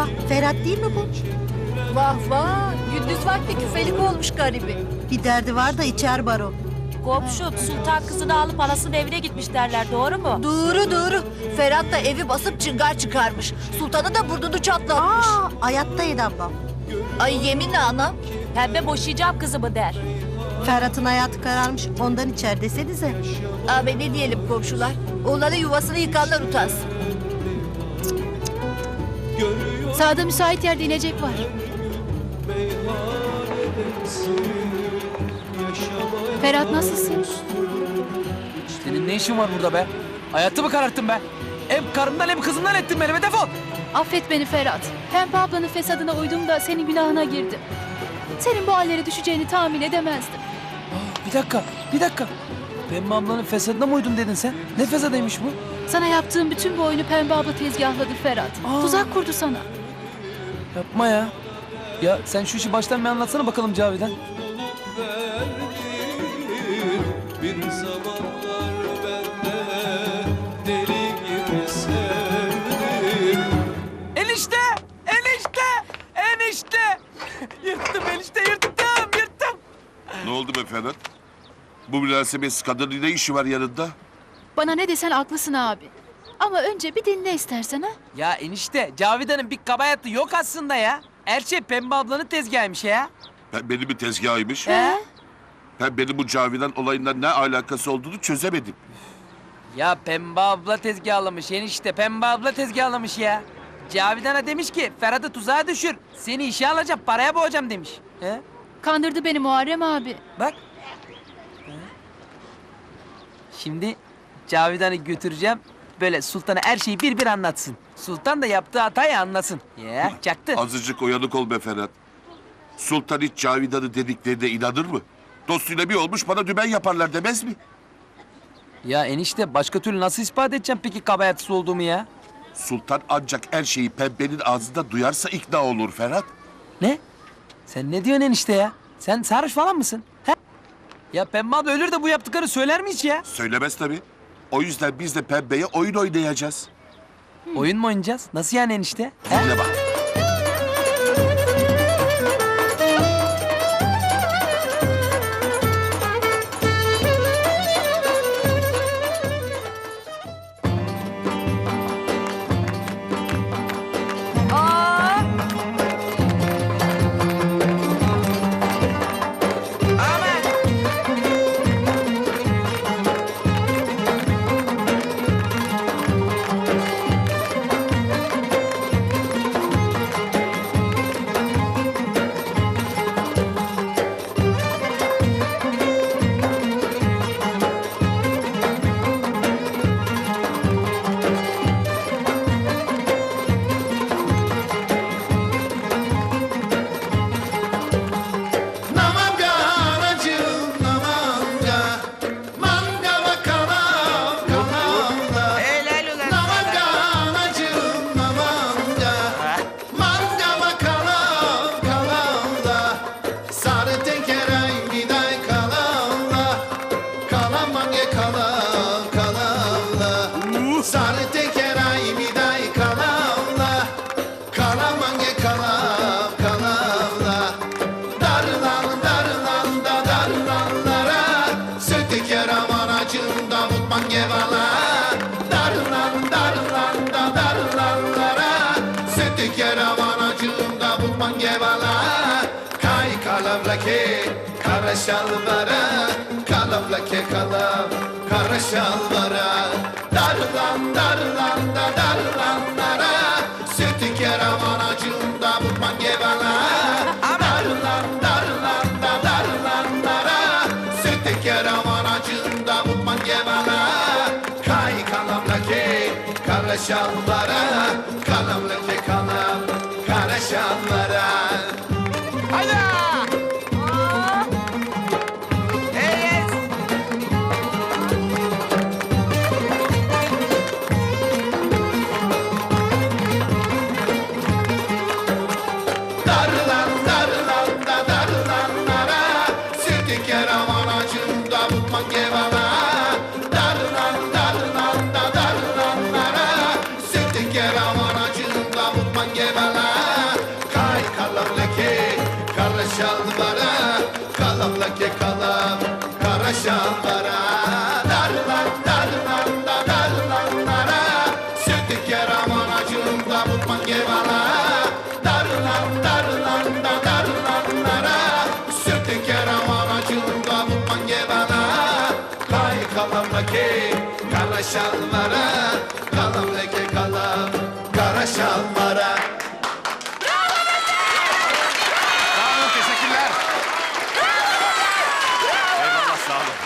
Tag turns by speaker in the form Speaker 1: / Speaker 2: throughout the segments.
Speaker 1: Aa, Ferhat değil mi bu?
Speaker 2: Vah vah, gündüz vakti küfelik olmuş garibi.
Speaker 1: Bir derdi var da içer baro.
Speaker 3: Komşum sultan kızını alıp anasının evine gitmiş derler, doğru mu?
Speaker 2: Doğru. Ferhat da evi basıp çıngar çıkarmış. Sultanı da burnunu çatlatmış.
Speaker 1: Aa, hayattaydı ablam.
Speaker 2: Ay yeminle anam.
Speaker 3: Pembe boşayacağım kızımı der.
Speaker 1: Ferhat'ın hayatı kararmış, ondan içer desenize.
Speaker 2: Abi ne diyelim komşular? Oğlanın yuvasını yıkanlar utansın.
Speaker 4: Sağda müsait yerde inecek var. Ferhat nasılsın?
Speaker 5: Senin ne işin var burada be? Hayatımı kararttın be. Hem karımdan hem kızımdan ettin beni be, defol.
Speaker 4: Affet beni Ferhat. Pembe ablanın fesadına uydum da senin günahına girdim. Senin bu hallere düşeceğini tahmin edemezdim.
Speaker 5: Bir dakika. Pembe ablanın fesadına mı uydun dedin sen? Ne fesadıymış bu?
Speaker 4: Sana yaptığım bütün bu oyunu Pembe abla tezgahladı Ferhat. Tuzak kurdu sana.
Speaker 5: Yapma ya. Ya sen şu işi baştan bir anlatsana bakalım Cavidan.
Speaker 6: Bir zamanlar ben de deli gibi sevdim.
Speaker 5: Enişte! Yırttım enişte, yırttım.
Speaker 7: Ne oldu be Ferhat? Bu münasebetsiz kadının ne işi var yanında?
Speaker 4: Bana ne desen haklısın abi. Ama önce bir dinle istersen ha.
Speaker 5: Ya enişte, Cavidan'ın bir kabahatı yok aslında ya. Her şey Pembe ablanın tezgahıymış ya.
Speaker 7: Benim bir tezgahıymış.
Speaker 5: He?
Speaker 7: Benim bu Cavidan olayından ne alakası olduğunu çözemedim.
Speaker 5: Ya Pembe abla tezgahlamış enişte, Pembe abla tezgahlamış ya. Cavidan'a demiş ki Ferhat'ı tuzağa düşür. Seni işe alacağım, paraya boğacağım demiş. He?
Speaker 4: Kandırdı beni Muharrem abi.
Speaker 5: Bak. Şimdi Cavidan'ı götüreceğim. Böyle Sultan'a her şeyi bir anlatsın. Sultan da yaptığı hatayı anlasın. Ya çaktı.
Speaker 7: Azıcık uyanık ol be Ferhat. Sultan hiç Cavidan'ı dediklerine inanır mı? Dostuyla bir olmuş bana dümen yaparlar demez mi?
Speaker 5: Ya enişte başka türlü nasıl ispat edeceğim peki kabahatsiz olduğumu ya?
Speaker 7: Sultan ancak her şeyi Pembe'nin ağzında duyarsa ikna olur Ferhat.
Speaker 5: Ne? Sen ne diyorsun enişte ya? Sen sarhoş falan mısın? He? Ya Pembe abla ölür de bu yaptıkları söyler mi hiç ya?
Speaker 7: Söylemez tabii. O yüzden biz de Pembe'ye oyun oynayacağız.
Speaker 5: Oyun mu oynayacağız? Nasıl yani enişte? He?
Speaker 7: Dinle bak.
Speaker 6: Kara şalvara, kalamlake kalam, kara şalvara. Darlan da darlanlara, sütü keraman acımda mutman gevala. Darlan da darlanlara, sütü keraman acımda mutman gevala. Kay kalamlake, kara şalvara, kalamlake kalam, kara şalvara. Hayda!
Speaker 8: Darlan, darlanlara, sütü keraman acımda mutman gevala.
Speaker 6: kara şalvara.
Speaker 8: Sağ olun, teşekkürler. Eyvallah, sağ olun.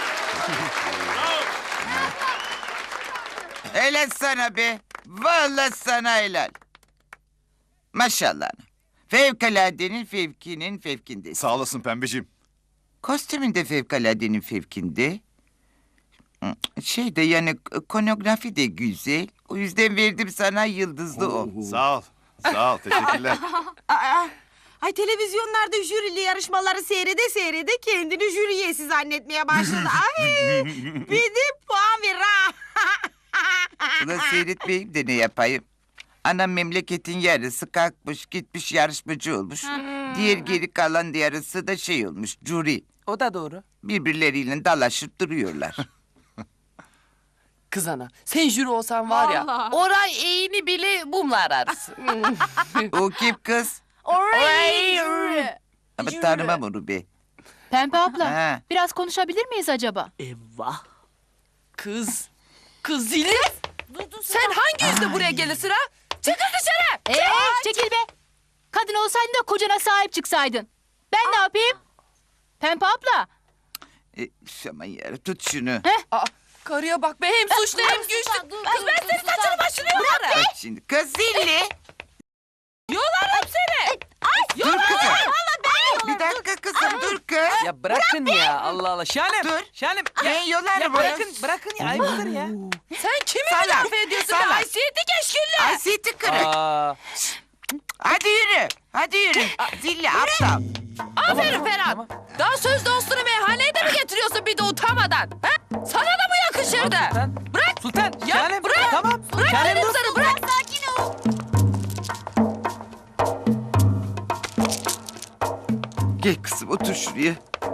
Speaker 9: Helal sana be. Vallahi sana helal. Maşallah. Fevkaladenin fevkinin fevkindesin.
Speaker 8: Sağ olasın pembeciğim.
Speaker 9: Kostümün de fevkaladenin fevkinde. Şey de yani konografi de güzel. O yüzden verdim sana yıldızlı o.
Speaker 8: Sağ ol. Sağ ol, teşekkürler.
Speaker 10: Ay televizyonlarda jürili yarışmaları seyrede kendini jüri üyesi zannetmeye başladı. Ay bir de puan ver ha.
Speaker 9: Ulan seyretmeyeyim de ne yapayım? Anam memleketin yarısı kalkmış gitmiş yarışmacı olmuş. Diğer geri kalan yarısı da şey olmuş jüri.
Speaker 5: O da doğru.
Speaker 9: Birbirleriyle dalaşıp duruyorlar.
Speaker 11: Kız ana, sen jüri olsan var ya,
Speaker 10: Vallahi.
Speaker 11: oray eğini bile mumla ararsın.
Speaker 9: O kim kız?
Speaker 11: Oray.
Speaker 9: Ama tanımam onu be.
Speaker 4: Pembe abla,
Speaker 9: Ha.
Speaker 4: biraz konuşabilir miyiz acaba?
Speaker 11: Eyvah. Kız zili. Sen hangi yüzle buraya gelirsin ha? Çıkın dışarı.
Speaker 4: Çekil be! Kadın olsaydın da kocana sahip çıksaydın. Ben ne yapayım? Pembe abla,
Speaker 9: Aman yarabbim tut şunu.
Speaker 11: Aa, karıya bak be, hem suçlu hem güçlü. Kız ben senin saçını başını yolarım.
Speaker 9: Bak şimdi kız zilli.
Speaker 11: Yolarım seni.
Speaker 9: Dur kızım. Bir dakika kızım dur kız.
Speaker 5: Ya bırakın ya Allah Allah. Şahanem.
Speaker 9: Dur.
Speaker 5: Şahanem.
Speaker 9: Ben yolarım.
Speaker 5: Ya bırakın ya. Ayıptır ya.
Speaker 11: Sen kimi
Speaker 9: Salak,
Speaker 11: müdafaa ediyorsun?
Speaker 9: salak.
Speaker 11: Haysiyeti keşküllü.
Speaker 9: Ay seti kırık.
Speaker 5: Aa,
Speaker 9: Hadi yürü. Hadi yürü. Zilli aptal.
Speaker 11: Aferin Ferhat. Daha söz dostunu meyhaneye de mi getiriyorsun bir de utanmadan? Ha? Sana da mı yakışırdı?
Speaker 5: Sultan.
Speaker 11: Bırak.
Speaker 5: Sultan.
Speaker 11: Ya
Speaker 5: Şahanem.
Speaker 11: bırak.
Speaker 5: Tamam.
Speaker 11: Bırak
Speaker 5: Şahanem
Speaker 11: dedim
Speaker 5: dur.
Speaker 11: sana, bırak.
Speaker 9: Gel kızım otur şuraya.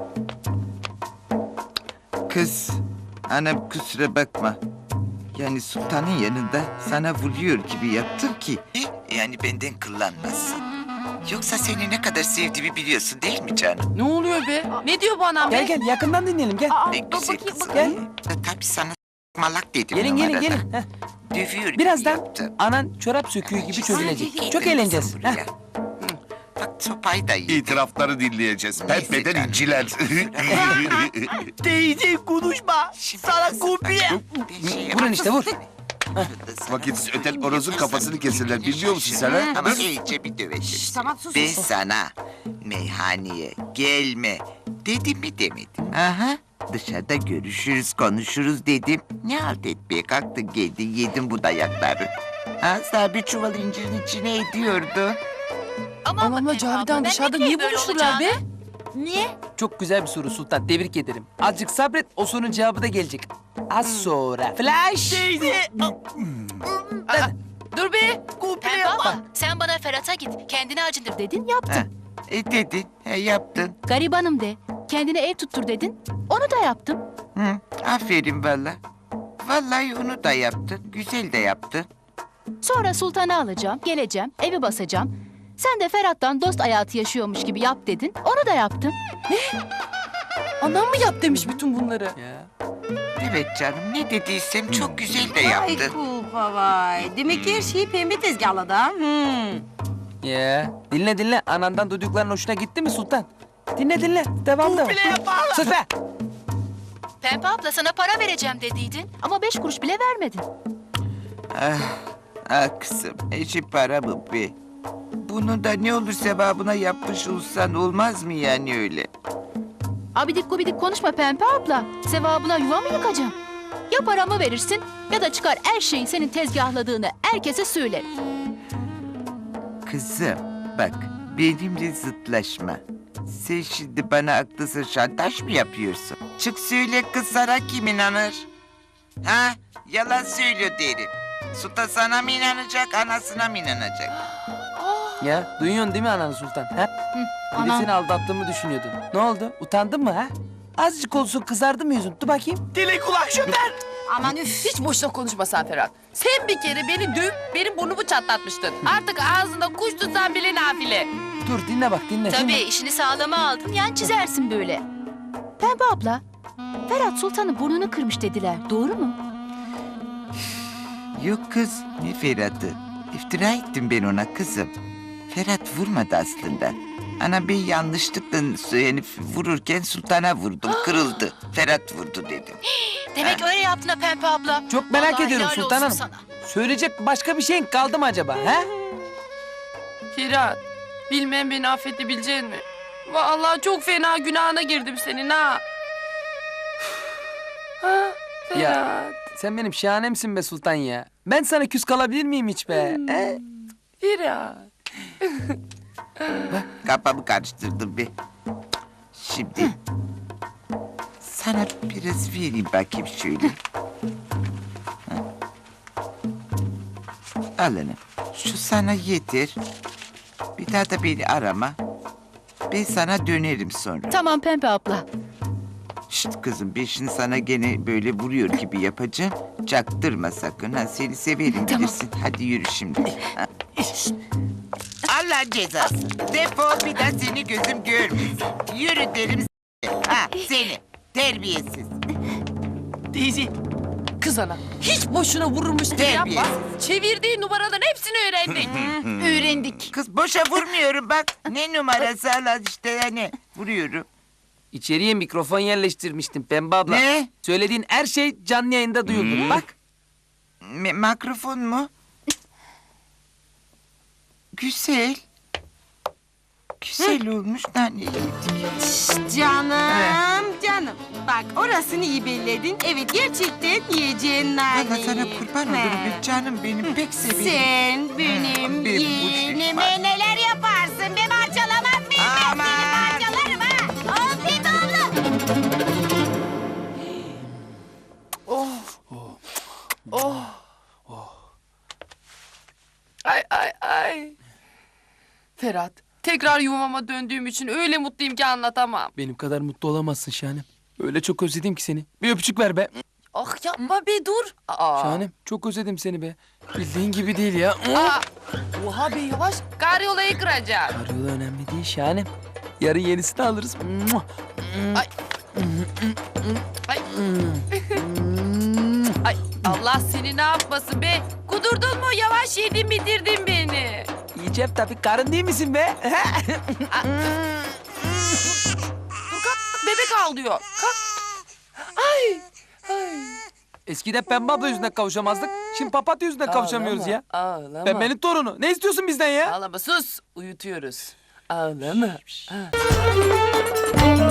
Speaker 9: Kız. Anam kusura bakma. Yani sultanın yanında sana vuruyor gibi yaptım ki. Yani benden kullanmasın. Yoksa seni ne kadar sevdiğimi biliyorsun değil mi canım?
Speaker 11: Ne oluyor be? Ne diyor bu anam be?
Speaker 5: Gel yakından dinleyelim gel.
Speaker 9: Ne güzel kızım.
Speaker 5: Gel.
Speaker 9: Tabii sana malak dedim
Speaker 5: Gelin
Speaker 9: numarada.
Speaker 5: gelin. Heh.
Speaker 9: Dövüyor
Speaker 5: Birazdan
Speaker 9: gibi yaptım.
Speaker 5: anan çorap söküğü gibi çözülecek.
Speaker 9: Gel
Speaker 5: Çok
Speaker 9: kızım
Speaker 5: eğleneceğiz.
Speaker 9: buraya.
Speaker 5: Heh.
Speaker 9: Bak sopayı da iyi.
Speaker 7: İtirafları dinleyeceğiz.
Speaker 9: Neyse
Speaker 7: Pembeden
Speaker 9: canım.
Speaker 7: inciler.
Speaker 5: Teyze konuşma. Sana kopya. Vurun işte, vur.
Speaker 7: Vakitsiz öten orozun kafasını keserler. Biliyor musun sen ha?
Speaker 9: Ama iyice bir döveceğiz.
Speaker 10: Tamam sus.
Speaker 9: Ben sana meyhaneye gelme dedim mi demedim. Aha dışarıda görüşürüz konuşuruz dedim. Ne halt etmeye kalktın geldin yedin bu dayakları. Ha sana bir çuval incirin içine ediyordun.
Speaker 11: Anamla Cavidan dışarıda niye buluştular be?
Speaker 2: Niye?
Speaker 5: Çok güzel bir soru Sultan. Tebrik ederim. Azıcık sabret. O sorunun cevabı da gelecek. Az sonra. Flash.
Speaker 11: Dur be.
Speaker 4: Pembe abla, sen bana Ferhat'a git, kendine acındır dedin, yaptın.
Speaker 9: Ha, dedin yaptın.
Speaker 4: Garibanım de, kendine ev tuttur dedin, onu da yaptım.
Speaker 9: Hı, aferin valla. Vallahi onu da yaptın. Güzel de yaptın.
Speaker 4: Sonra sultanı alacağım, geleceğim, evi basacağım. Sen de Ferhat'tan dost hayatı yaşıyormuş gibi yap dedin, onu da yaptım.
Speaker 11: Anam mı yap demiş bütün bunları?
Speaker 5: Ya.
Speaker 9: Evet canım ne dediysem çok güzel de
Speaker 10: Ay
Speaker 9: yaptın.
Speaker 10: kulpa vay. Demek ki her şeyi pembe tezgahladı ha.
Speaker 5: Ya. Dinle. Anandan duydukların hoşuna gitti mi Sultan? Dinle. Devam. Sus be.
Speaker 4: Pembe abla sana para vereceğim dediydin ama 5 kuruş bile vermedin.
Speaker 9: Ah kızım, eşi para mı be? Bunu da ne olur sevabına yapmış olsan olmaz mı yani öyle?
Speaker 4: Abidik gubidik konuşma Pembe abla. Sevabına yuva mı yıkacağım? Ya paramı verirsin ya da çıkar her şeyi senin tezgahladığını herkese söylerim.
Speaker 9: Kızım, bak benimle zıtlaşma. Sen şimdi bana aklı şantaj mı yapıyorsun? Çık söyle kız sana kim inanır? Ha? Yalan söylüyor derim. Sultan sana mı inanacak, anasına mı inanacak?
Speaker 5: Ya duyuyorsun değil mi ananı Sultan? Ha? Bir de
Speaker 4: anam.
Speaker 5: seni aldattığımı düşünüyordun. Ne oldu? Utandın mı ha? Azıcık olsun kızardı mı yüzün? Dur bakayım. Dili kulak şundan.
Speaker 10: Aman üf.
Speaker 11: Hiç boşuna konuşma sen Ferhat. Sen bir kere beni dövüp benim burnumu çatlatmıştın. Artık ağzında kuş tutsan bile nafile.
Speaker 5: Dur dinle bak dinle.
Speaker 4: Tabii işini sağlama aldın yan çizersin böyle. Pembe abla, Ferhat Sultan'ın burnunu kırmış dediler. Doğru mu?
Speaker 9: Yok kız, ne Ferhat'ı? İftira ettim ben ona kızım. Ferhat vurmadı aslında. Ana ben yanlışlıkla yani vururken sultana vurdum, kırıldı. Ferhat vurdu dedim.
Speaker 3: Demek öyle yaptın ha Pembe abla.
Speaker 5: Çok merak
Speaker 3: Vallahi
Speaker 5: ediyorum
Speaker 3: helal
Speaker 5: Sultan
Speaker 3: olsun
Speaker 5: Hanım.
Speaker 3: sana.
Speaker 5: Söyleyecek başka bir şeyin kaldı mı acaba? He?
Speaker 11: Ferhat, bilmem beni affedebilecek mi? Vallahi çok fena günahına girdim senin ha. Ha, Ferhat.
Speaker 5: Ya sen benim şahanemsin be Sultan ya. Ben sana küs kalabilir miyim hiç be? He?
Speaker 11: Ferhat.
Speaker 9: Kafamı karıştırdım bir. Şimdi sana biraz vereyim bakayım şöyle. Ha. Al hanım. Şu sana yeter. Bir daha da beni arama. Ben sana dönerim sonra.
Speaker 4: Tamam Pembe abla.
Speaker 9: Şşt kızım ben şimdi sana gene böyle vuruyor gibi yapacağım. Çaktırma sakın. Ha, seni severim bilirsin. Hadi yürü şimdi. Ha. Allah cezası. Defol bir daha seni gözüm görmesin. Yürü derim ha seni. Terbiyesiz.
Speaker 11: Teyze. Kız ana. Hiç boşuna vurulmuş gibi yapma.
Speaker 9: Terbiyesiz.
Speaker 11: Çevirdiği numaraların hepsini öğrendik.
Speaker 4: Öğrendik.
Speaker 9: Kız boşa vurmuyorum bak. Ne numarası Allah işte yani. Vuruyorum.
Speaker 5: İçeriye mikrofon yerleştirmiştim Pembe abla.
Speaker 9: Ne?
Speaker 5: Söylediğin her şey canlı yayında duyuldu. Bak.
Speaker 9: Mikrofon mu? Güzel. Güzel olmuş. Nane yedik.
Speaker 10: Canım, canım. Bak orasını iyi belledin. Evet gerçekten yiyeceğin naneyi.
Speaker 9: Allah sana kurban olurum.
Speaker 10: He.
Speaker 9: Canım benim pek severim.
Speaker 10: Sen benim
Speaker 9: Benim bu
Speaker 10: yeğenime
Speaker 9: şey-
Speaker 10: neler yaparsın? Ben parçalamaz mıyım? Ben
Speaker 9: Aman.
Speaker 10: seni parçalarım ha. Afiyet abla.
Speaker 11: Ay ay ay. Ferhat, tekrar yuvama döndüğüm için öyle mutluyum ki anlatamam.
Speaker 5: Benim kadar mutlu olamazsın Şahanem. Öyle çok özledim ki seni. Bir öpücük ver be.
Speaker 11: Ah yapma be dur. Aa.
Speaker 5: Şahanem çok özledim seni be. Bildiğin gibi değil ya.
Speaker 11: Aa. Oha be yavaş. Karyolayı kıracak.
Speaker 5: Arıyorla önemli değil Şahanem. Yarın yenisini alırız.
Speaker 11: Ay. Ay. Ay Allah seni ne yapmasın be. Kudurdun mu yavaş yedin bitirdin beni.
Speaker 5: Yiyeceğim tabii. Karın değil misin be?
Speaker 11: Dur kalk bebek ağlıyor. Kalk. Ay. Ay.
Speaker 5: Eskiden Pembe abla yüzünden kavuşamazdık. Şimdi papatya yüzünden kavuşamıyoruz ya.
Speaker 11: Ağlama.
Speaker 5: Pembenin torunu. Ne istiyorsun bizden ya?
Speaker 11: Ağlama sus. Uyutuyoruz. Ağlama. Ha.